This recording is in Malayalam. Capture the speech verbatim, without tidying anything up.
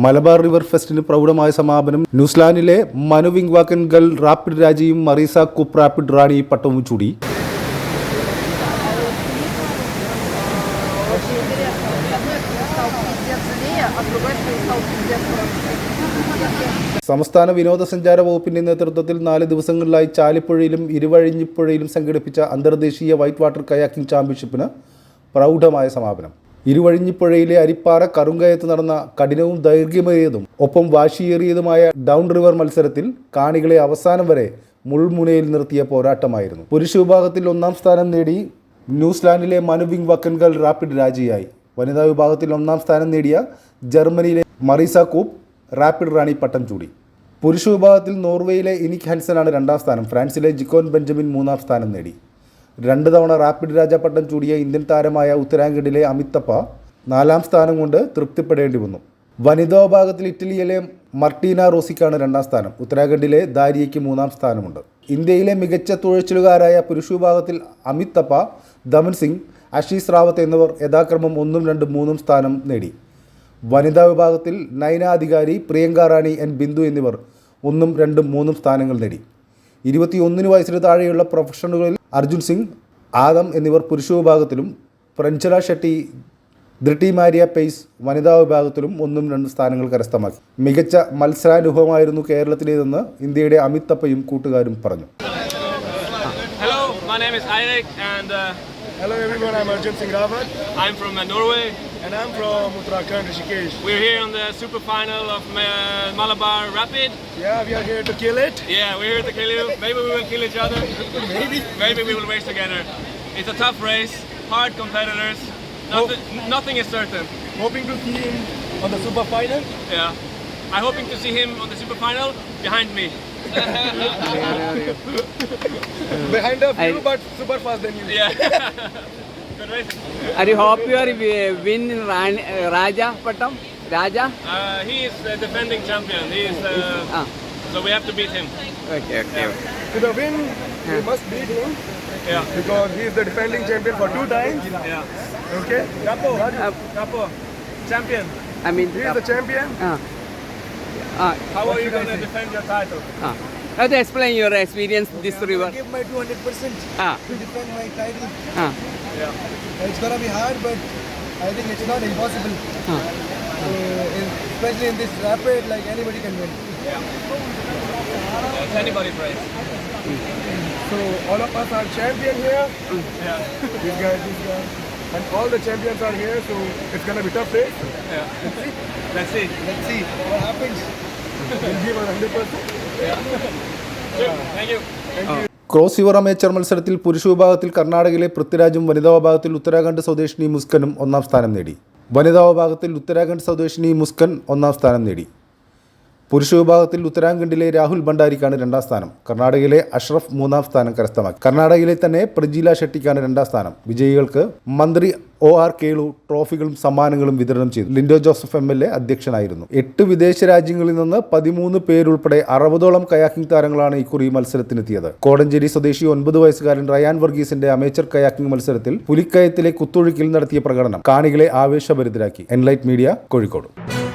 മലബാർ റിവർ ഫെസ്റ്റിന് പ്രൗഢമായ സമാപനം. ന്യൂസിലാൻഡിലെ മനു വിംഗ്വാക്കൻഗൽ റാപ്പിഡ് രാജയും മറീസ കൂപ്പ് റാപ്പിഡ് റാണി പട്ടവും ചൂടി. സംസ്ഥാന വിനോദസഞ്ചാര വകുപ്പിന്റെ നേതൃത്വത്തിൽ നാല് ദിവസങ്ങളിലായി ചാലിപ്പുഴയിലും ഇരുവഴിഞ്ഞിപ്പുഴയിലും സംഘടിപ്പിച്ച അന്തർദേശീയ വൈറ്റ് വാട്ടർ കയാക്കിംഗ് ചാമ്പ്യൻഷിപ്പിന് പ്രൗഢമായ സമാപനം. ഇരുവഴിഞ്ഞിപ്പുഴയിലെ അരിപ്പാറ കറുങ്കയത്ത് നടന്ന കഠിനവും ദൈർഘ്യമേറിയതും ഒപ്പം വാശിയേറിയതുമായ ഡൗൺ റിവർ മത്സരത്തിൽ കാണികളെ അവസാനം വരെ മുൾമുനയിൽ നിർത്തിയ പോരാട്ടമായിരുന്നു. പുരുഷ വിഭാഗത്തിൽ ഒന്നാം സ്ഥാനം നേടി ന്യൂസിലാൻഡിലെ മനു വിംഗ്വാക്കൻഗൽ റാപ്പിഡ് രാജയായി. വനിതാ വിഭാഗത്തിൽ ഒന്നാം സ്ഥാനം നേടിയ ജർമ്മനിയിലെ മറീസ കൂപ്പ് റാപ്പിഡ് റാണി പട്ടം ചൂടി. പുരുഷ വിഭാഗത്തിൽ നോർവേയിലെ ഇനിക് ഹാൻസനാണ് രണ്ടാം സ്ഥാനം. ഫ്രാൻസിലെ ജിക്കോൻ ബെഞ്ചമിൻ മൂന്നാം സ്ഥാനം നേടി. രണ്ട് തവണ റാപ്പിഡ് രാജ പട്ടം ചൂടിയ ഇന്ത്യൻ താരമായ ഉത്തരാഖണ്ഡിലെ അമിത്തപ്പ നാലാം സ്ഥാനം കൊണ്ട് തൃപ്തിപ്പെടേണ്ടി വന്നു. വനിതാ വിഭാഗത്തിൽ ഇറ്റലിയിലെ മർട്ടീന റോസിക്കാണ് രണ്ടാം സ്ഥാനം. ഉത്തരാഖണ്ഡിലെ ദാരിയയ്ക്ക് മൂന്നാം സ്ഥാനമുണ്ട്. ഇന്ത്യയിലെ മികച്ച തുഴച്ചിലുകാരായ പുരുഷ വിഭാഗത്തിൽ അമിത്തപ്പ, ദമൻ സിംഗ്, ആശീസ് റാവത്ത് എന്നിവർ യഥാക്രമം ഒന്നും രണ്ടും മൂന്നും സ്ഥാനം നേടി. വനിതാ വിഭാഗത്തിൽ നൈന അധികാരി, പ്രിയങ്ക റാണി, എൻ ബിന്ദു എന്നിവർ ഒന്നും രണ്ടും മൂന്നും സ്ഥാനങ്ങൾ നേടി. ഇരുപത്തിയൊന്നിന് വയസ്സിന് താഴെയുള്ള പ്രൊഫഷണലുകളിൽ അർജുൻ സിംഗ്, ആദം എന്നിവർ പുരുഷ വിഭാഗത്തിലും പ്രഞ്ചല ഷെട്ടി, ധൃട്ടി മാരിയ പെയ്സ് വനിതാ വിഭാഗത്തിലും ഒന്നും രണ്ടും സ്ഥാനങ്ങൾ കരസ്ഥമാക്കി. മികച്ച മത്സരാനുഭവമായിരുന്നു കേരളത്തിലേതെന്ന് ഇന്ത്യയുടെ അമിത്തപ്പയും കൂട്ടുകാരും പറഞ്ഞു. Hello, my name is Eirik and uh, hello everyone, I'm Arjun Singh Rawat. I'm from uh, Norway. And I'm from Uttarakhand, Rishikesh. We're here on the super final of uh, Malabar Rapid. Yeah, we are here to kill it. Yeah, we're here to kill you. Maybe we will kill each other. Maybe. Maybe we will race together. It's a tough race, hard competitors. Nothing, nothing is certain. Hoping to see him on the super final. Yeah, I'm hoping to see him on the super final behind me. Behind a few, but super fast than you. Yeah. Good race. Are you hope you are win Ran, uh, Raja Patam? Raja? Uh, he is the defending champion. He is, uh, Ah. so we have to beat him. Okay, okay. Yeah. To the win, we must beat him. Yeah. Because he is the defending champion for two times. Yeah. Okay. Capo. Uh, Capo. Champion. I mean, He is the champion. uh, uh, How are you going to defend your title? uh. How to explain your experience this river? I give my two hundred percent Ah. to defend my title. Ah. Yeah. It's gonna be hard, but I think it's not impossible. Ah. So, in, especially in this rapid, like anybody can win. It's anybody's race. So all of us are champion here. Yeah. This guy, this guy, and all the champions are here. So it's gonna be tough race. Yeah. Let's see. Let's see what happens. We'll give one hundred percent. Sure. Thank you. Thank you. Cross river amateur മത്സരത്തിൽ പുരുഷ വിഭാഗത്തിൽ കർണാടകയിലെ പൃഥ്വിരാജും വനിതാ വിഭാഗത്തിൽ ഉത്തരാഖണ്ഡ് സ്വദേശിനി മുസ്കനും ഒന്നാം സ്ഥാനം നേടി. വനിതാ വിഭാഗത്തിൽ ഉത്തരാഖണ്ഡ് സ്വദേശിനി മുസ്കൻ ഒന്നാം സ്ഥാനം നേടി. പുരുഷ വിഭാഗത്തിൽ ഉത്തരാഖണ്ഡിലെ രാഹുൽ ഭണ്ഡാരിക്കാണ് രണ്ടാം സ്ഥാനം. കർണാടകയിലെ അഷ്റഫ് മൂന്നാം സ്ഥാനം കരസ്ഥമാക്കി. കർണാടകയിലെ തന്നെ പ്രജീല ഷെട്ടിക്കാണ് രണ്ടാം സ്ഥാനം. വിജയികൾക്ക് മന്ത്രി ഒ ആർ കേളു ട്രോഫികളും സമ്മാനങ്ങളും വിതരണം ചെയ്തു. Lindo Joseph M L A അധ്യക്ഷനായിരുന്നു. എട്ട് വിദേശ രാജ്യങ്ങളിൽ നിന്ന് പതിമൂന്ന് പേരുൾപ്പെടെ അറുപതോളം കയാക്കിംഗ് താരങ്ങളാണ് ഇക്കുറി മത്സരത്തിനെത്തിയത്. കോടഞ്ചേരി സ്വദേശി ഒൻപത് വയസ്സുകാരൻ റയാൻ വർഗീസിന്റെ അമേച്ചർ കയാക്കിംഗ് മത്സരത്തിൽ പുലിക്കയത്തിലെ കുത്തൊഴുക്കിൽ നടത്തിയ പ്രകടനം കാണികളെ ആവേശഭരിതരാക്കി. Enlight media, Kozhikode.